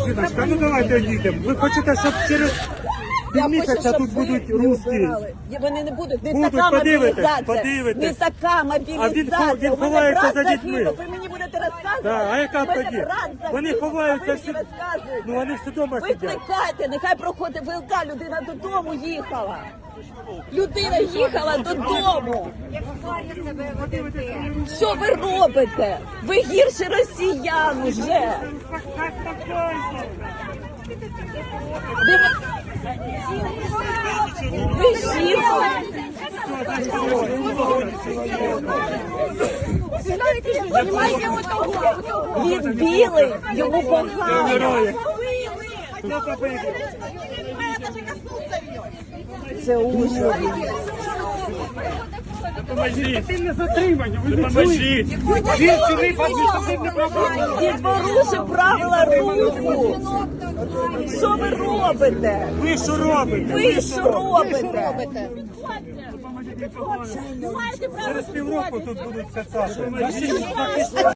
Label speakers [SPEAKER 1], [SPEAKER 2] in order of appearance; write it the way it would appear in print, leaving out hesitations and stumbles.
[SPEAKER 1] Жіночка, ну давайте їдемо. Ви хочете, щоб через півмісяця тут будуть русські?
[SPEAKER 2] Вони не будуть. Не
[SPEAKER 1] Будуть,
[SPEAKER 2] така
[SPEAKER 1] подивитесь,
[SPEAKER 2] мобілізація. Не така мобілізація.
[SPEAKER 1] Він ховається за дітьми.
[SPEAKER 2] Загинув. Ви мені будете розказувати?
[SPEAKER 1] Да, а яка
[SPEAKER 2] У мене
[SPEAKER 1] тоді?
[SPEAKER 2] брат загинув,
[SPEAKER 1] Вони ховаються
[SPEAKER 2] ви
[SPEAKER 1] всі.
[SPEAKER 2] мені розказуєте.
[SPEAKER 1] Ну вони всі вдома сидять.
[SPEAKER 2] Викликайте, нехай проходить ВЛК, людина додому їхала. Людина їхала додому. Що ви робите? Ви гірше росіян уже. Ви жінка. Він білий, йому погано. Це ужас.
[SPEAKER 1] Сильне затримання, ви допоможіть. Він сюди адміністративне правопорушення.
[SPEAKER 2] Він порушив правила руху. Що ви робите?
[SPEAKER 1] Ви що робите?
[SPEAKER 2] Ви що робите?
[SPEAKER 1] Через півроку тут будуть кацапи.